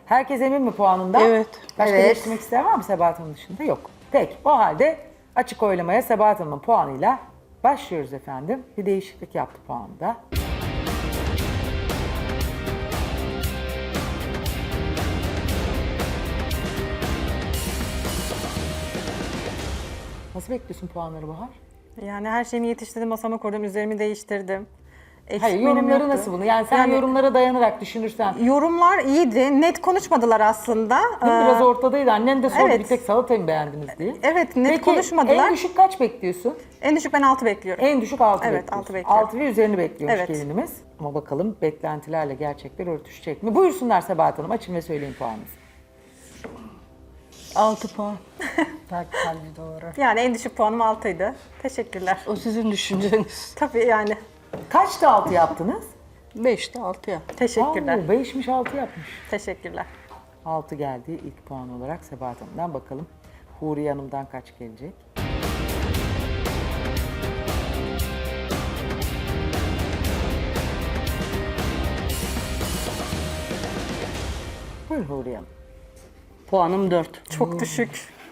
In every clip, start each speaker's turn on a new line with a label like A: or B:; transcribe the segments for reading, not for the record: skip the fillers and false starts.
A: Herkes emin mi puanında?
B: Evet.
A: Başka
C: Evet.
A: değiştirmek isteyen var mı Sebahat Hanım dışında? Yok. Peki o halde açık oylamaya Sebahat Hanım'ın puanıyla başlıyoruz efendim. Bir değişiklik yaptı puanda. Nasıl bekliyorsun puanları Bahar?
D: Yani her şeyimi yetiştirdim, masama koydum, üzerimi değiştirdim. Eksik
A: Hayır,
D: menüm
A: yorumları
D: yoktu.
A: nasıl bunu? Yani sen
D: Yani
A: yorumlara dayanarak düşünürsen.
D: yorumlar iyiydi. Net konuşmadılar aslında.
A: Biraz ortadaydı. Annen de sordu
D: evet.
A: bir tek salatayı mı beğendiniz diye.
D: Evet, net
A: Peki,
D: konuşmadılar.
A: en düşük kaç bekliyorsun?
D: En düşük ben 6 bekliyorum.
A: En düşük 6
D: Evet,
A: bekliyorsun.
D: 6 bekliyorum.
A: 6 ve üzerini bekliyormuş
D: Evet.
A: gelinimiz. Ama bakalım beklentilerle gerçekler örtüşecek mi? Buyursunlar Sebahat Hanım. Açın ve söyleyin puanınızı.
B: 6 puan.
C: Tabii doğru.
D: Yani en düşük puanım 6'ydı. Teşekkürler.
B: O sizin düşünceniz.
D: Tabii yani.
A: Kaçta 6 yaptınız?
B: 5'te 6 ya.
D: Teşekkürler.
A: 5'miş 6 yapmış.
D: Teşekkürler.
A: 6 geldi ilk puan olarak Sebahat Hanım'dan. Bakalım Huriye Hanım'dan kaç gelecek? Buyurun Huriye Hanım.
B: Puanım 4.
D: Çok düşük.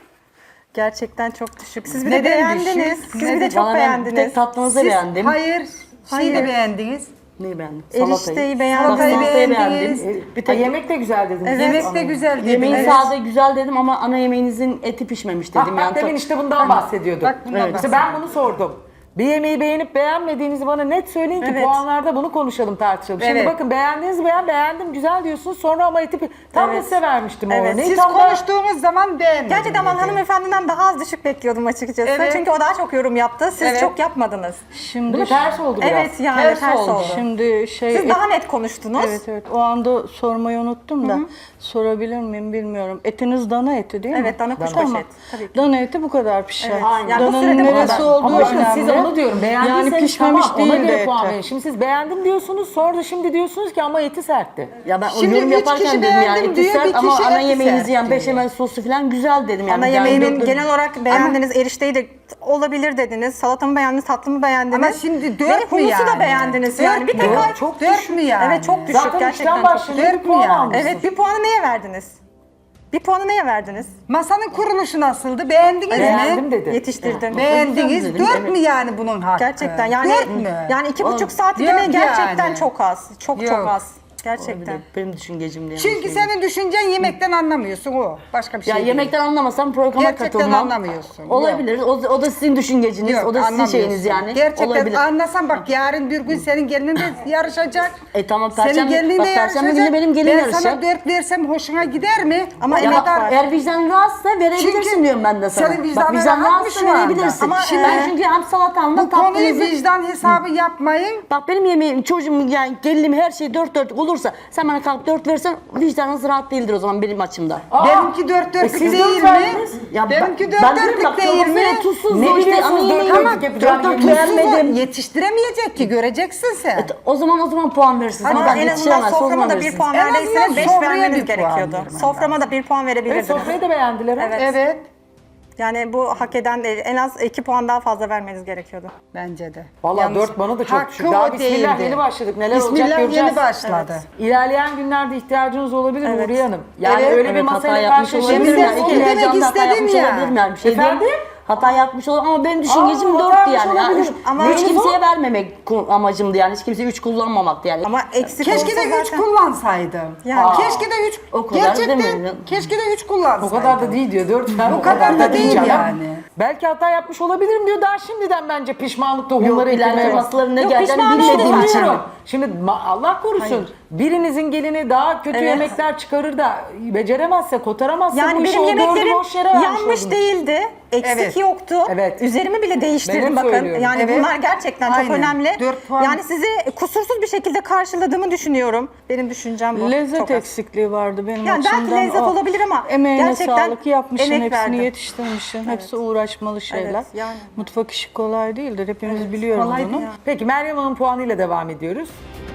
D: Gerçekten çok düşük. Siz bir
C: Neden
D: de beğendiniz.
C: düşük?
D: Siz bir de çok
B: Bana ben
D: beğendiniz.
B: tek tatlınızı beğendim.
C: Hayır. Şeyi de beğendiniz.
B: Neyi beğendim?
D: Erişteyi beğendim.
C: Salatayı
B: Salatayı
C: beğendiniz.
B: beğendim.
A: Bir tek yemek de güzel dediniz.
D: Evet.
C: Yemek de güzel dediniz.
B: Yemeğin
C: Evet.
B: sade güzel dedim ama ana yemeğinizin eti pişmemiş dedim.
A: Bak,
B: yani
A: demin işte bundan bahsediyordum.
C: Bak bundan
A: İşte ben bunu sordum. Bir yemeği beğenip beğenmediğinizi bana net söyleyin ki
D: Evet.
A: puanlarda bunu konuşalım, tartışalım. Şimdi
C: Evet.
A: bakın beğendiğiniz beğendim güzel diyorsunuz. Sonra ama eti tam da
D: Evet.
A: size vermiştim o
D: Evet.
A: örneği.
C: Siz
A: Tam da-
C: konuştuğumuz zaman beğenmedim.
D: Gerçekten ben
C: dedi.
D: hanımefendiden daha az düşük bekliyordum açıkçası.
C: Evet.
D: Çünkü o daha çok yorum yaptı. Siz
C: Evet.
D: çok yapmadınız.
B: Şimdi
A: Değil mi? Ters oldu biraz.
D: Evet yani
C: Ters
D: ters,
C: oldu.
D: oldu.
B: Şimdi şey
D: Siz daha net konuştunuz.
B: evet evet o anda sormayı unuttum da sorabilir miyim bilmiyorum. Etiniz dana eti değil mi?
D: Evet, dana kuşbaşı
B: Tamam.
D: et, tabii ki.
B: Dana eti bu kadar pişer.
D: Evet. Yani bu
B: Dananın
D: sürede bu
B: neresi
D: kadar.
B: olduğu
A: Ama bakın
B: önemli.
A: size onu diyorum. Beğendiyseniz
B: Yani pişmemiş
A: tamam, ona
B: değil de
A: göre puan
B: eti.
A: verin. Şimdi siz beğendim diyorsunuz, sonra da şimdi diyorsunuz ki ama eti sertti.
B: Ya ben
C: Şimdi
B: o yorum
C: üç
B: yaparken
C: kişi
B: dedim yani
C: beğendim
B: eti
C: diyor,
B: sert
C: bir
B: ama
C: kişi
B: ana
C: eti
B: yemeğinizi
C: sert
B: yani
C: diyor.
B: beşamel soslu falan güzel dedim. Yani
D: Ana
B: Yani
D: yemeğimin
B: dört-
D: genel olarak beğendiniz, erişteyi de olabilir dediniz, salatamı beğendiniz, tatlımı beğendiniz.
C: Ama şimdi dört
D: Ve
C: mü
D: humusu da
C: yani?
D: beğendiniz
C: Dört
D: yani. Bir
C: mü?
D: tek
A: Dört, çok
C: Dört
A: düşük.
C: mü yani?
D: Evet çok düşük,
A: Zaten
D: gerçekten
A: işten
D: çok
A: başlayınca
D: düşük.
A: bir
C: Dört mü
A: puan
C: yani?
A: almışsınız.
D: Evet, bir puanı neye verdiniz? Bir puanı neye verdiniz?
C: Masanın kuruluşu nasıldı? Beğendiniz
A: Beğendim
C: mi?
A: dedi.
D: Yetiştirdim.
C: Beğendiniz.
B: Dedim,
C: Dört
B: evet.
C: mü yani bunun hakkı?
D: Gerçekten yani
C: Dört mü?
D: yani 2,5 saat
C: Yok
D: yemeği gerçekten
C: yani.
D: çok az. Çok
C: Yok.
D: az. Gerçekten.
B: Benim düşüncecim diye.
C: Çünkü senin düşüncen yemekten anlamıyorsun o. Başka bir şey
B: ya
C: değil.
B: yemekten anlamasam programa
C: Gerçekten
B: katılmam.
C: anlamıyorsun.
B: Olabilir. O da sizin düşünceciniz.
C: Yok,
B: O da sizin
C: anlamıyorsun.
B: şeyiniz yani.
C: Gerçekten
B: Olabilir.
C: anlasan bak yarın bir gün senin gelinin de yarışacak.
B: Tamam,
C: Senin
B: Perşembe-
C: gelinin
B: bak,
C: de
B: Perşembe
C: yarışacak.
B: günü benim gelin
C: ben
B: yarışacak.
C: sana 4 versem hoşuna gider mi?
D: Ama
C: O
D: emek
C: kadar-
D: var.
B: Eğer vicdan rahatsızsa verebilirsin
C: Çünkü
B: diyorum ben de sana.
C: senin vicdanın
B: Bak vicdan
C: rahat mı
B: rahatsızsa
C: şu anda?
B: verebilirsin.
D: Ama,
B: Şimdi ben çünkü hem salatamla
C: Bu konuyu
B: tatlınızı...
C: vicdan hesabı yapmayın.
B: Bak benim yemeğim, çocuğum yani gelinim her şey dört dörtlük olursa sen bana kalk 4 versen vicdanınız rahat değildir o zaman benim açımdan.
C: Benimki dört dörtlük
A: siz
C: değil
A: dört
C: mi?
A: verdiniz.
B: Ya
C: Benimki
B: ben
C: dört
B: dedim
C: dörtlük
B: bak,
C: değil
B: çorbası
C: mi?
B: ya tuzsuz
A: Ne
B: o işte
A: biliyorsunuz
B: ana
A: dört
B: yemeği
A: dörtlük yapacağını
B: dört dört
A: bilmiyorsunuz.
B: beğenmedim.
C: Yetiştiremeyecek ki göreceksin sen.
B: O zaman puan verirsin.
D: Ama
B: Ama ben
D: en azından
B: yetiştiremez.
D: soframa da 1 puan
C: En azından
D: verdiyseniz 5
C: sofraya
D: vermeniz
C: bir puan
D: gerekiyordu.
C: vermen
D: Soframa da 1 puan
A: Evet,
D: verebilirdiniz.
A: sofrayı da beğendiler.
D: Evet.
C: Evet.
D: Yani bu hak eden değil. En az 2 puan daha fazla vermeniz gerekiyordu.
C: Bence de.
A: Valla
C: Yalnız
A: 4 bana da çok
C: hakkı
A: düşük. Daha
C: o
A: bismillah
C: değildi.
A: yeni başladık. Neler olacak
C: Bismillah
A: göreceğiz.
C: yeni başladı.
A: İlerleyen günlerde ihtiyacınız olabilir
D: Evet.
A: Huriye Hanım. Yani
C: Evet.
A: öyle bir
B: Evet, hata
A: masayla
B: yapmış olabilirim.
C: Şimdi
A: karşılaşabiliriz.
C: onu
B: İki
C: demek
B: heyecanla hata
C: istedim
B: yapmış
C: ya.
B: olabilirim yani. Bir şey
A: Efendim?
B: değil. Hata yapmış olur ama benim düşüncecim
A: Aa,
B: 4'tü
A: hata
B: yani.
A: yapmış
B: Yani
A: olabilir.
D: Ama
B: hiç
D: o-
B: kimseye vermemek amacımdı yani. Hiç kimseye 3 kullanmamaktı yani.
D: Ama eksik
C: Keşke
D: olsa
C: de 3
D: zaten...
C: kullansaydın.
D: Yani.
C: Keşke de 3.
B: O kadar
C: Gerçekten
B: demeyin.
C: keşke de 3 kullansaydın.
A: O kadar da değil diyor. 4
C: O kadar da değil yani.
A: Belki hata yapmış olabilirim diyor. Daha şimdiden bence pişmanlık tohumları
B: Yok, ilerleyen
A: eklemeye bak.
B: masaların ne
D: Yok,
B: geleceğini
D: pişman
B: bilmediğim için.
A: Bilmiyorum. Şimdi Allah korusun birinizin gelini daha kötü
D: Evet.
A: yemekler çıkarır da beceremezse, kotaramazsa
D: Yani
A: bu işi
D: benim
A: o dördü
D: yemeklerim
A: boş yere vermiş
D: yanmış
A: oldunuz.
D: değildi. Eksik
C: Evet.
D: yoktu.
A: Evet.
D: Üzerimi bile değiştirdim
A: Benim
D: bakın.
A: söylüyorum.
D: Yani
C: Evet.
D: bunlar gerçekten çok
C: Aynen.
D: önemli.
C: 4 puan.
D: Yani sizi kusursuz bir şekilde karşıladığımı düşünüyorum. Benim düşüncem bu.
B: Lezzet
D: Çok az.
B: eksikliği vardı benim
D: Yani belki
B: açımdan.
D: lezzet
B: O
D: olabilir ama
B: emeğine
D: gerçekten
B: sağlık, yapmışsın,
D: emek
B: hepsini
D: verdim.
B: yetiştirmişsin. Hepsi uğraşmalı şeyler.
D: Evet, yani.
B: Mutfak işi kolay değildir. Hepimiz biliyoruz
C: kolay
B: bunu.
C: değil.
A: Peki Meryem Hanım puanıyla devam ediyoruz.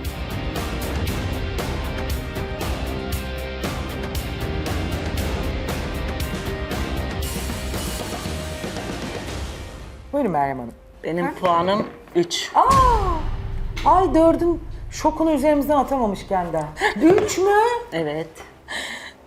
A: Buyurun Meryem Hanım.
B: Benim puanım 3.
A: Ay 4'ün şokunu üzerimizden atamamışken de. 3 mü?
B: Evet.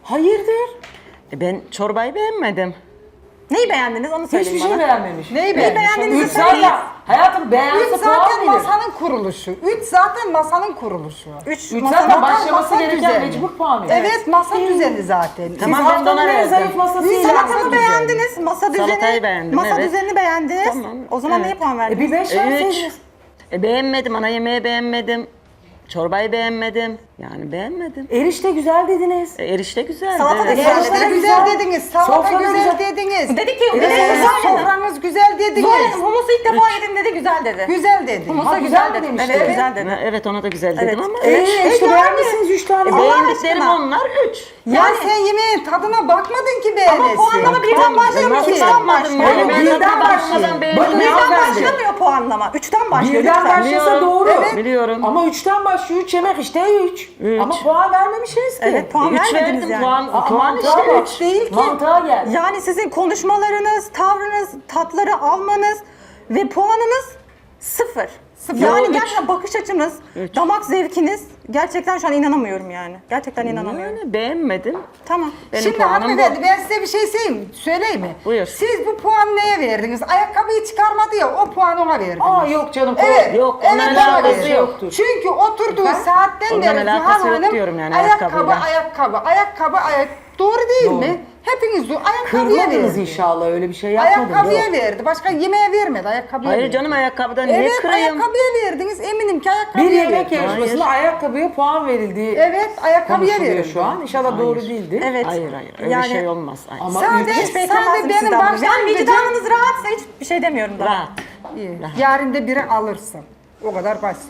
A: Hayırdır?
B: Ben çorbayı beğenmedim.
D: Neyi beğendiniz onu söyleyin
A: Hiçbir
D: bana.
A: şey beğenmemiş.
C: Neyi
D: beğendiğinizi
A: Üç
D: söyleyin.
A: zaten, hayatım
C: Üç
A: beğense puan
C: zaten
A: verir.
C: masanın kuruluşu. 3 zaten masanın kuruluşu.
D: Üç
A: Üç
D: masa-
A: zaten
C: Masa
A: başlaması gereken
C: düzeni.
A: mecbur puan verir.
C: Evet masa düzeni zaten.
B: Tamam,
A: Siz
B: ben de
A: haftanın
B: ona
A: en
B: verdim.
A: zayıf masası
D: Salatamı beğendiniz, masa düzeni,
B: Salatayı beğendim,
D: masa
B: evet.
D: düzenini beğendiniz.
B: Tamam,
D: O zaman
B: evet.
D: neye puan
A: Bir
D: verdiniz?
A: 5
B: 3.
A: verseydiniz.
B: Beğenmedim, ana yemeği beğenmedim. Çorbayı beğenmedim. Yani beğenmedim.
A: Erişte güzel dediniz.
B: Erişte güzeldi.
D: Salata da
B: evet.
D: güzel.
C: Erişte
A: Salata
C: güzel
A: güzel.
C: dediniz, salata
A: Sofra da
C: güzel
A: güzel.
C: dediniz.
D: Dedi ki,
C: Sofranız güzel dediniz.
D: Zuhal Hanım humusu ilk defa yedim dedi, güzel dedi.
C: Güzel dedi.
D: Humusa
A: Ha,
D: güzel
A: güzel
D: dedi.
A: demişti.
D: Evet, güzel dedi.
B: Evet, ona da güzel dedim ama.
A: İşte beğenmişsiniz 3 tane.
B: Beğendiklerim
D: aşkına.
B: onlar 3.
C: Yani sen yemeğin tadına bakmadın ki beğenesin.
D: Ama puanlama birden başlamıyor,
B: Nasıl
D: üçten
B: bakmadım
D: başlıyor.
B: yani? Ben
A: Birden
B: tadına
A: başlıyor.
B: bakmadan beğendim.
A: Bakın
D: Birden
A: hanımefendi.
D: başlamıyor puanlama. Üçten başlıyor.
A: Birden
D: lütfen.
A: başlasa
B: Biliyorum.
A: doğru.
B: Evet. Biliyorum.
A: Ama 3'ten başlıyor. 3 yemek işte 3.
B: Üç.
A: Ama puan vermemişsiniz ki.
D: Evet, puan
B: 3
D: vermediniz
B: verdim,
D: yani.
B: puan
A: mantığa
B: işte
A: bak.
B: 3.
C: değil ki.
A: Mantığa gel.
D: Yani sizin konuşmalarınız, tavrınız, tatları almanız ve puanınız sıfır. Yani
B: Yo, üç.
D: gerçekten bakış açınız, damak zevkiniz gerçekten şu an inanamıyorum yani. Gerçekten inanamıyorum.
B: Yani beğenmedim.
D: Tamam.
B: Benim
C: Şimdi
B: puanım
C: hanımefendi
B: bu.
C: ben size bir şey söyleyeyim mi?
B: Buyur.
C: Siz bu puanı neye verdiniz? Ayakkabıyı çıkarmadı ya o puanı ona verdiniz.
A: Aa yok canım.
C: Evet.
B: Yok,
C: evet,
B: onunla
C: ona
B: alakası
C: verdim.
A: yoktur.
C: Çünkü oturduğu saatten
B: Onunla
C: beri
B: alakası
C: Zuhal
B: yok
C: Hanım
B: diyorum yani
C: ayakkabı,
B: ayakkabıyla.
C: ayakkabı. Doğru değil
A: Doğru.
C: mi? Hepiniz ayakkabıya
A: Kırmadınız
C: verdi.
A: inşallah öyle bir şey yapmadınız.
C: Ayakkabıya verdi. Başka yemeğe vermedi. Ayakkabıya
B: Hayır
C: verdi.
B: canım, ayakkabıdan niye
C: Evet
B: kırayım?
C: ayakkabıya verdiniz. Eminim ki ayakkabıya
A: Bir yemek
C: verdi.
A: yarışmasında ayakkabıya puan verildiği
C: Evet ayakkabıya
A: konuşuluyor
C: verildi.
A: şu an. İnşallah doğru değildir.
D: Evet.
B: Hayır öyle
D: Yani-
B: şey olmaz. Hayır.
A: Ama
C: Sadece,
A: üç-
D: Hiç beklemezdim
C: sadece
D: sizden
C: benim
D: bunu. Yani
C: başlangıcım
D: vicdanınız rahatsa hiçbir şey demiyorum daha.
B: Rahat.
C: iyi. Yarın da biri alırsın. O kadar basit.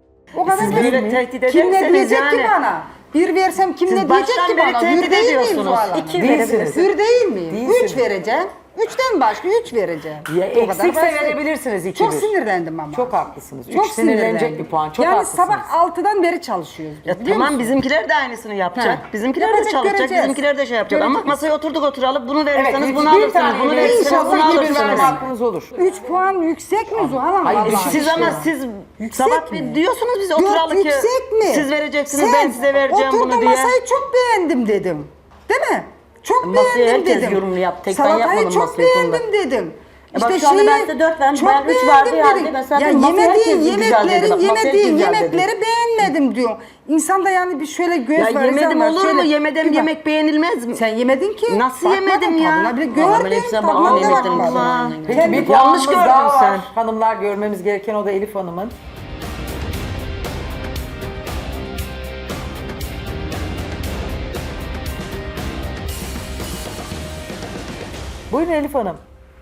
C: O kadar
B: Siz
C: basit.
B: böyle tehdit
C: Kim ne
B: ederseniz
C: diyecek
B: yani.
C: ki bana? Bir versem kim
B: Siz
C: ne diyecek
B: baştan
C: ki
B: beri
C: bana?
B: tehdit
C: Hür değil miyim
B: ediyorsunuz.
C: Zuhal Hanım?
D: İki
A: Değilsiniz.
D: verebilirsiniz.
C: Hür değil miyim?
A: Değilsiniz.
C: 3 vereceğim. 3'ten başlıyor 3 vereceğim.
A: Ya
C: O kadar
A: eksikse
C: basit.
A: verebilirsiniz 2-1.
C: Çok sinirlendim ama.
A: Çok haklısınız.
C: Çok
A: 3 sinirlenecek
C: sinirlendim.
A: bir puan. Çok
C: yani
A: haklısınız.
C: sabah 6'dan beri çalışıyoruz.
B: Ya
C: biliyor
B: tamam
C: musun?
B: bizimkiler de aynısını yapacak.
C: Ha.
B: Bizimkiler de
C: Yapacak,
B: çalışacak.
C: göreceğiz.
B: Bizimkiler de şey yapacak. Ama
C: Göreceğiz.
B: masaya oturduk oturalım. Bunu
A: Evet,
B: verirseniz bunu
A: bir
B: alırsınız.
A: tane
B: Bunu
A: yemeği
B: verirseniz
A: inşallah
B: bunu
A: gibi
B: alırsınız.
A: verme hakkınız olur.
C: 3 puan yüksek mi Zuhal Hanım?
A: Hayır,
C: Allah
B: Siz
C: aşkına?
B: ama siz
C: Yüksek
B: sabah
C: mi?
B: bir diyorsunuz biz
C: Yok,
B: oturalım ki
C: yüksek mi?
B: siz vereceksiniz
C: Sen
B: ben size vereceğim bunu
C: oturdun
B: diye.
C: masayı çok beğendim dedim. Değil mi? Çok
B: Masayı
C: beğendim
B: herkes
C: dedim.
B: yorumlu yaptı, tek ben
C: Salatayı
B: yapmadım
C: çok
B: masayı konuda.
C: beğendim dedim.
B: bak şu anda ben size 4 verdim,
C: çok
B: ben 3
C: beğendim
B: verdiği halde
C: dedim.
B: ben zaten
C: ya
B: masaya herkes
C: yemediğin
B: güzel dedi. Bak, masaya
C: yemediğin
B: güzel dedi.
C: yemekleri beğenmedim diyor. İnsan da yani bir şöyle göz
B: Ya
C: var.
B: yemedim
C: var,
B: olur
C: şöyle
B: mu? Yemedim
C: bir bak.
B: yemek beğenilmez mi?
C: Sen yemedin ki.
B: Nasıl
C: Bakmadın
B: yemedim ya?
C: tadına bile.
B: Vallahi ben
C: Gördün
B: hepsine
C: tadına
B: bakmadım,
C: da
B: yemedim.
C: bakmadın.
B: Allah.
A: Peki
C: Kendi
A: bir
B: yanlış
A: puanımız
B: gördün
A: daha var.
B: sen.
A: Hanımlar görmemiz gereken o da Elif Hanım'ın. Buyurun Elif Hanım.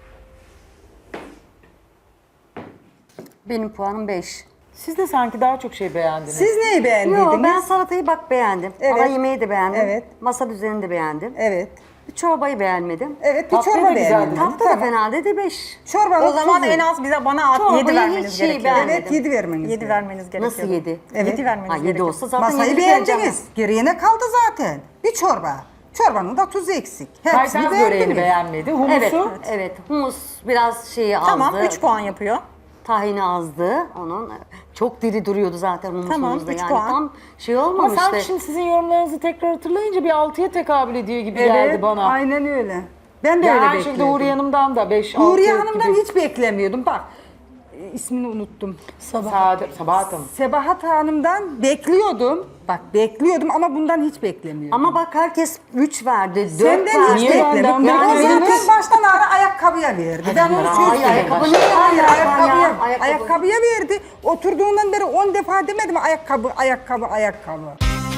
E: Benim puanım 5.
A: Siz de sanki daha çok şey beğendiniz.
C: Siz neyi beğendiydiniz?
E: Yo, ben salatayı bak beğendim.
C: Evet.
E: Ana yemeği de beğendim.
C: Evet.
E: Masa düzenini de beğendim.
C: Evet.
E: Çorbayı beğenmedim.
C: Evet bir
A: Tatlıyı
C: çorba
A: da güzel
C: beğendim.
A: dedin.
E: Tatlı da fena dedi 5.
C: Çorba
D: O zaman en az bana
E: Çorbayı
D: 7 vermeniz
E: hiç
D: gerekiyor.
E: beğenmedim.
C: Evet 7 vermeniz
D: 7 vermeniz gerekiyor.
E: Nasıl 7?
C: Evet.
D: 7 vermeniz
E: Ha 7
D: gerekiyor.
E: olsa zaten
C: Masayı
E: 7 vereceğim.
C: beğendiniz. Geriye ne kaldı zaten? Bir çorba. Çorbanın da tuzu eksik. Hepsini
A: Kaytans böreğini
C: beğendiniz.
A: beğenmedi. Humusu.
E: Evet, evet. Humus biraz şeyi azdı.
D: Tamam 3 puan yapıyor.
E: Tahini azdı onun. Çok diri duruyordu zaten humusumuzda.
D: Tamam, 3
E: yani
D: puan.
E: tam şey
A: Ama
E: olmamıştı.
A: sanki şimdi sizin yorumlarınızı tekrar hatırlayınca bir 6'ya tekabül ediyor gibi geldi bana.
C: aynen öyle. Ben de
A: Ya
C: öyle
A: aynı şekilde
C: bekliyordum.
A: Huriye Hanım'dan da 5-6
C: Huriye Hanım'dan
A: gibi.
C: hiç beklemiyordum. Bak ismini unuttum.
A: Sabahat Hanım.
C: Sebahat Hanım'dan bekliyordum. Bak bekliyordum ama bundan hiç beklemiyordum.
E: Ama bak herkes 3 verdi, 4
C: Senden
E: verdi.
C: hiç
A: Niye
C: beklemedim.
A: benden
C: Yani o
A: beklemediniz?
C: zaten baştan ara ayakkabıya verdi. Ben onu
A: Hayır,
C: söyleyeyim.
E: ayakkabı
A: baştan.
E: ne?
C: Hayır
E: Ayakkabı ya,
C: ayakkabıya verdi. Oturduğundan beri 10 defa demedim ayakkabı.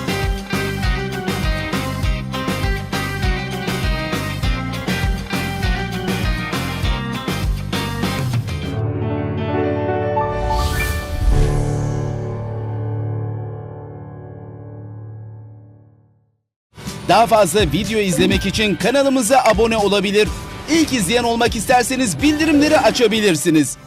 F: Daha fazla video izlemek için kanalımıza abone olabilir. İlk izleyen olmak isterseniz bildirimleri açabilirsiniz.